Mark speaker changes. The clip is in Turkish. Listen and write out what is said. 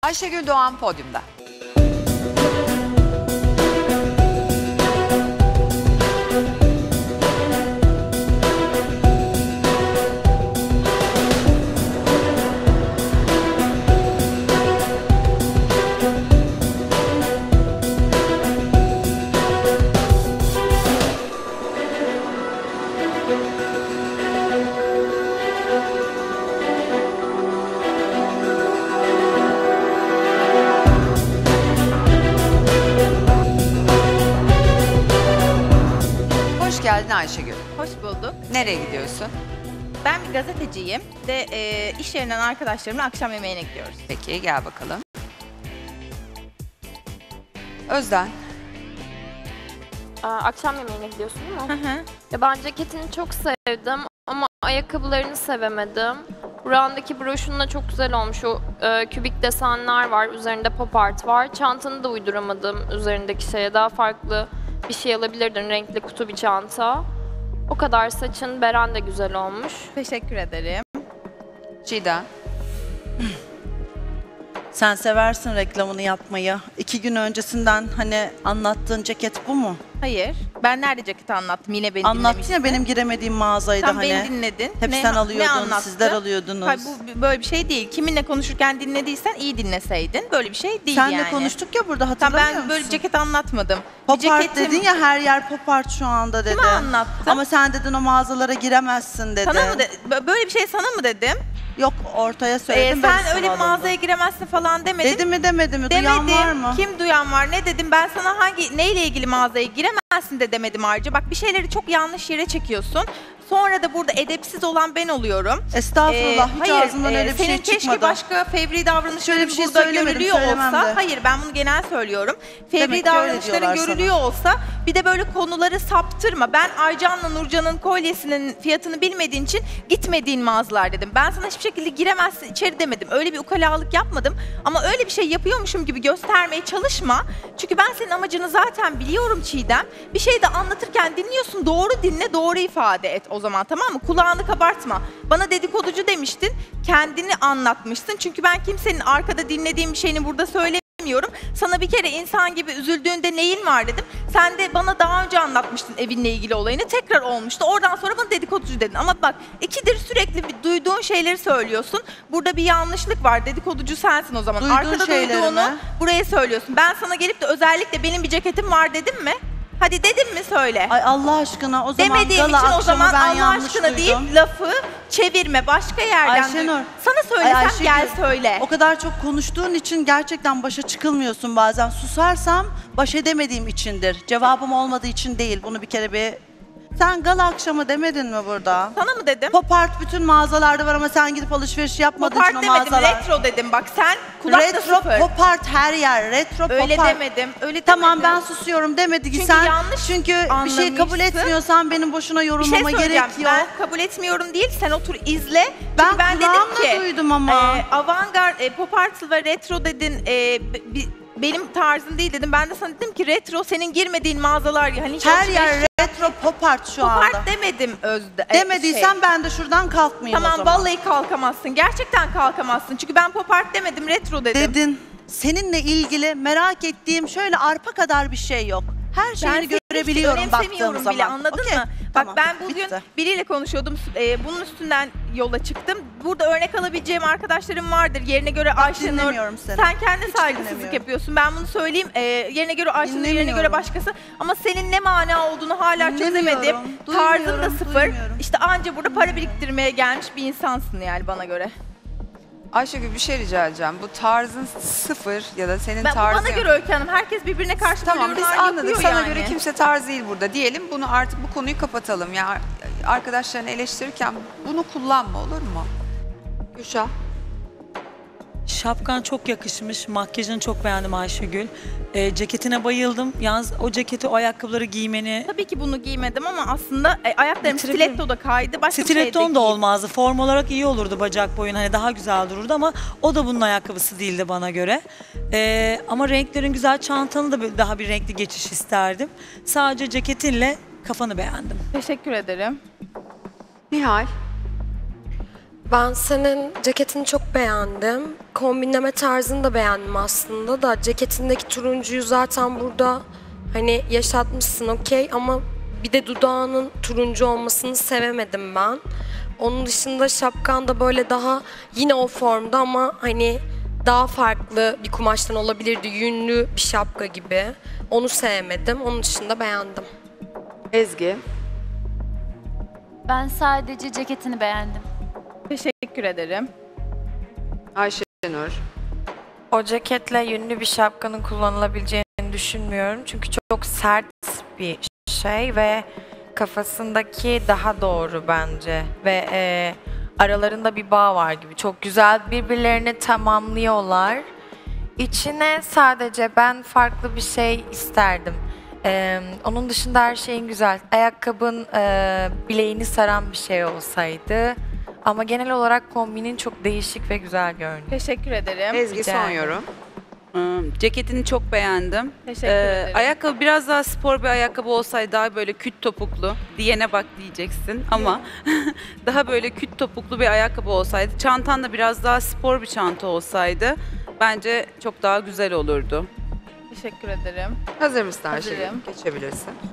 Speaker 1: Ayşegül Doğan podyumda. Hoş geldin Ayşegül.
Speaker 2: Hoş bulduk.
Speaker 1: Nereye gidiyorsun?
Speaker 2: Ben bir gazeteciyim ve iş yerinden arkadaşlarımla akşam yemeğine gidiyoruz.
Speaker 1: Peki gel bakalım. Özden.
Speaker 3: Akşam yemeğine gidiyorsun değil mi?
Speaker 2: Hı hı.
Speaker 3: Ya ben ceketini çok sevdim ama ayakkabılarını sevemedim. Buran'daki broşunla çok güzel olmuş. O kübik desenler var, üzerinde pop art var. Çantanı da uyduramadım üzerindeki şeye. Daha farklı bir şey alabilirdin, renkli kutu bir çanta. O kadar saçın, beren de güzel olmuş.
Speaker 2: Teşekkür ederim.
Speaker 1: Çiğdem.
Speaker 4: Sen seversin reklamını yapmayı. 2 gün öncesinden hani anlattığın ceket bu mu?
Speaker 2: Hayır. Ben nerede ceketi anlattım? Yine beni
Speaker 4: Anlattın
Speaker 2: dinlemiştin.
Speaker 4: ya benim giremediğim mağazaydı
Speaker 2: Tam
Speaker 4: hani.
Speaker 2: beni dinledin.
Speaker 4: Hep
Speaker 2: Ne-
Speaker 4: sen
Speaker 2: ne
Speaker 4: alıyordun,
Speaker 2: anlattı?
Speaker 4: sizler alıyordunuz.
Speaker 2: Hayır, bu böyle bir şey değil. Kiminle konuşurken dinlediysen iyi dinleseydin. Böyle bir şey değil
Speaker 4: Senle
Speaker 2: yani.
Speaker 4: konuştuk ya burada
Speaker 2: Tam
Speaker 4: hatırlamıyor
Speaker 2: ben
Speaker 4: musun?
Speaker 2: böyle bir ceket anlatmadım.
Speaker 4: Pop
Speaker 2: Bir
Speaker 4: art
Speaker 2: ceketim-
Speaker 4: dedin ya, her yer pop art şu anda dedi.
Speaker 2: Kime anlattım?
Speaker 4: Ama sen dedin o mağazalara giremezsin dedi.
Speaker 2: Sana mı böyle bir şey sana mı dedim?
Speaker 4: Yok, ortaya söyledim. ben
Speaker 2: Sen öyle bir
Speaker 4: sana
Speaker 2: mağazaya
Speaker 4: alındım.
Speaker 2: giremezsin falan demedin.
Speaker 4: Dedi mi demedi mi? Duyan var mı?
Speaker 2: Kim duyan var? Ne dedim? Ben sana neyle ilgili mağazaya giremezsin de demedim ayrıca. Bak bir şeyleri çok yanlış yere çekiyorsun. Sonra da burada edepsiz olan ben oluyorum.
Speaker 4: Estağfurullah, hiç ağzımdan öyle bir şey
Speaker 2: senin
Speaker 4: çıkmadı.
Speaker 2: keşke başka fevri davranışların
Speaker 4: Şöyle bir şey
Speaker 2: burada
Speaker 4: söylemedim,
Speaker 2: görülüyor
Speaker 4: söylemem
Speaker 2: olsa.
Speaker 4: de.
Speaker 2: Hayır, ben bunu genel söylüyorum.
Speaker 4: Demek
Speaker 2: Fevri
Speaker 4: ki öyle
Speaker 2: davranışların
Speaker 4: diyorlar
Speaker 2: görülüyor olsa bir de böyle konuları saptırma. Ben Aycan'la Nurcan'ın kolyesinin fiyatını bilmediğin için gitmediğin mağazalar dedim. Ben sana hiçbir şekilde giremezsin içeri demedim. Öyle bir ukalalık yapmadım. Ama öyle bir şey yapıyormuşum gibi göstermeye çalışma. Çünkü ben senin amacını zaten biliyorum Çiğdem. Bir şey de anlatırken dinliyorsun. Doğru dinle, doğru ifade et o zaman, tamam mı? Kulağını kabartma. Bana dedikoducu demiştin. Kendini anlatmışsın. Çünkü ben kimsenin arkada dinlediğim bir şeyini burada söylemiyorum. Sana bir kere insan gibi üzüldüğünde neyin var dedim. Sen de bana daha önce anlatmıştın evinle ilgili olayını. Tekrar olmuştu. Oradan sonra bana dedikoducu dedin. Ama bak, ikidir sürekli duyduğun şeyleri söylüyorsun. Burada bir yanlışlık var. Dedikoducu sensin o zaman.
Speaker 4: Duyduğun
Speaker 2: Arkada
Speaker 4: şeyleri
Speaker 2: duyduğunu
Speaker 4: mi?
Speaker 2: buraya söylüyorsun. Ben sana gelip de özellikle benim bir ceketim var dedim mi? Hadi dedim mi söyle.
Speaker 4: Ay Allah aşkına, o zaman
Speaker 2: Demediğim
Speaker 4: gala
Speaker 2: için o
Speaker 4: akşamı
Speaker 2: zaman
Speaker 4: ben
Speaker 2: Allah
Speaker 4: yanlış
Speaker 2: aşkına
Speaker 4: duydum.
Speaker 2: deyip lafı çevirme. Başka yerden
Speaker 4: Ayşenur.
Speaker 2: Sana söylesem
Speaker 4: Ay Ayşegül,
Speaker 2: gel söyle.
Speaker 4: O kadar çok konuştuğun için gerçekten başa çıkılmıyorsun bazen. Susarsam baş edemediğim içindir. Cevabım olmadığı için değil. Bunu bir kere bir... Sen gala akşamı demedin mi burada?
Speaker 2: Sana mı dedim?
Speaker 4: Pop art bütün mağazalarda var ama sen gidip alışveriş yapmadığın
Speaker 2: Pop
Speaker 4: için
Speaker 2: art
Speaker 4: o
Speaker 2: demedim,
Speaker 4: mağazalar.
Speaker 2: retro dedim. Bak sen kulakta
Speaker 4: Retro
Speaker 2: sıfır.
Speaker 4: pop art her yer. Retro
Speaker 2: Öyle
Speaker 4: pop art.
Speaker 2: demedim, öyle
Speaker 4: Tamam,
Speaker 2: demedim.
Speaker 4: ben susuyorum demedi ki
Speaker 2: Çünkü
Speaker 4: sen.
Speaker 2: yanlış
Speaker 4: Çünkü bir şey kabul
Speaker 2: anlamışsın.
Speaker 4: etmiyorsan benim boşuna
Speaker 2: Bir şey
Speaker 4: yorumlama
Speaker 2: söyleyeceğim.
Speaker 4: gerek yok.
Speaker 2: Ben kabul etmiyorum değil, sen otur izle.
Speaker 4: Ben
Speaker 2: Çünkü ben dedim
Speaker 4: kulağımla
Speaker 2: ki
Speaker 4: duydum ama.
Speaker 2: avantgard, pop art ve retro dedin. Benim tarzım değil dedim. Ben de sana dedim ki retro senin girmediğin mağazalar. Hani hiç
Speaker 4: Her
Speaker 2: alışveriş
Speaker 4: yer retro pop art şu
Speaker 2: Pop
Speaker 4: anda.
Speaker 2: art demedim
Speaker 4: Demediysen ben de şuradan kalkmayayım o
Speaker 2: Tamam,
Speaker 4: zaman.
Speaker 2: vallahi kalkamazsın. Gerçekten kalkamazsın. Çünkü ben pop art demedim, retro dedim.
Speaker 4: Dedin. Seninle ilgili merak ettiğim şöyle arpa kadar bir şey yok. Her şeyini
Speaker 2: seni hiç
Speaker 4: görebiliyorum baktığım
Speaker 2: önemsemiyorum
Speaker 4: zaman.
Speaker 2: bile, anladın
Speaker 4: Okey,
Speaker 2: mı?
Speaker 4: tamam,
Speaker 2: Bak ben bugün
Speaker 4: bitti.
Speaker 2: biriyle konuşuyordum. Bunun üstünden yola çıktım. Burada örnek alabileceğim arkadaşlarım vardır. Yerine göre Ayşenur.
Speaker 4: dinlemiyorum seni.
Speaker 2: Sen kendi
Speaker 4: Hiç
Speaker 2: saygısızlık
Speaker 4: dinlemiyorum.
Speaker 2: yapıyorsun. Ben bunu söyleyeyim. Yerine göre Ayşenur, yerine göre
Speaker 4: Dinlemiyorum.
Speaker 2: başkası. Ama senin ne mana olduğunu hala
Speaker 4: Dinlemiyorum,
Speaker 2: çözemedim. Tarzın da
Speaker 4: duymuyorum,
Speaker 2: sıfır.
Speaker 4: duymuyorum.
Speaker 2: İşte anca burada para biriktirmeye gelmiş bir insansın yani bana göre.
Speaker 1: Ayşegül bir şey rica edeceğim. Bu tarzın sıfır ya da senin
Speaker 2: Bu
Speaker 1: tarzın...
Speaker 2: bana göre Öykü Hanım. Herkes birbirine karşı
Speaker 1: Tamam,
Speaker 2: böyle
Speaker 1: biz
Speaker 2: yorumlar
Speaker 1: anladık.
Speaker 2: yapıyor
Speaker 1: Sana
Speaker 2: yani.
Speaker 1: göre kimse tarz değil burada diyelim. Bunu artık bu konuyu kapatalım. Ya arkadaşlarını eleştirirken bunu kullanma, olur mu? Gülşah.
Speaker 5: Şapkan çok yakışmış. Makyajını çok beğendim Ayşegül. Ceketine bayıldım. Yalnız o ceketi, o ayakkabıları giymeni...
Speaker 2: Tabii ki bunu giymedim ama aslında ayaklarım
Speaker 5: Bitirebilirim.
Speaker 2: stiletto da kaydı. Başka bir şey de
Speaker 5: Stiletton da olmazdı. Form olarak iyi olurdu bacak boyun. Hani daha güzel dururdu ama o da bunun ayakkabısı değildi bana göre. Ama renklerin güzel. Çantanı da daha bir renkli geçiş isterdim. Sadece ceketinle kafanı beğendim.
Speaker 2: Teşekkür ederim.
Speaker 1: Nihal.
Speaker 6: Ben senin ceketini çok beğendim. Kombinleme tarzını da beğendim aslında da. Ceketindeki turuncuyu zaten burada hani yaşatmışsın okey ama bir de dudağının turuncu olmasını sevemedim ben. Onun dışında şapkan da böyle daha yine o formda ama hani daha farklı bir kumaştan olabilirdi. Yünlü bir şapka gibi. Onu sevmedim. Onun dışında beğendim.
Speaker 1: Ezgi.
Speaker 7: Ben sadece ceketini beğendim.
Speaker 2: Teşekkür ederim.
Speaker 1: Ayşenur.
Speaker 8: O ceketle yünlü bir şapkanın kullanılabileceğini düşünmüyorum. Çünkü çok sert bir şey ve kafasındaki daha doğru bence. Ve aralarında bir bağ var gibi. Çok güzel birbirlerini tamamlıyorlar. İçine sadece ben farklı bir şey isterdim. Onun dışında her şeyin güzel. Ayakkabın bileğini saran bir şey olsaydı. Ama genel olarak kombinin çok değişik ve güzel görünüyor.
Speaker 2: Teşekkür ederim.
Speaker 1: Ezgi
Speaker 8: Rica
Speaker 1: son
Speaker 8: ederim.
Speaker 1: yorum.
Speaker 9: Ceketini çok beğendim.
Speaker 2: Teşekkür ederim.
Speaker 9: Ayakkabı biraz daha spor bir ayakkabı olsaydı daha böyle küt topuklu. Diyene bak diyeceksin ama daha böyle küt topuklu bir ayakkabı olsaydı. Çantan da biraz daha spor bir çanta olsaydı bence çok daha güzel olurdu.
Speaker 2: Teşekkür ederim.
Speaker 1: Hazır mısın Ayşegül?
Speaker 2: Hazırım.
Speaker 1: Geçebilirsin.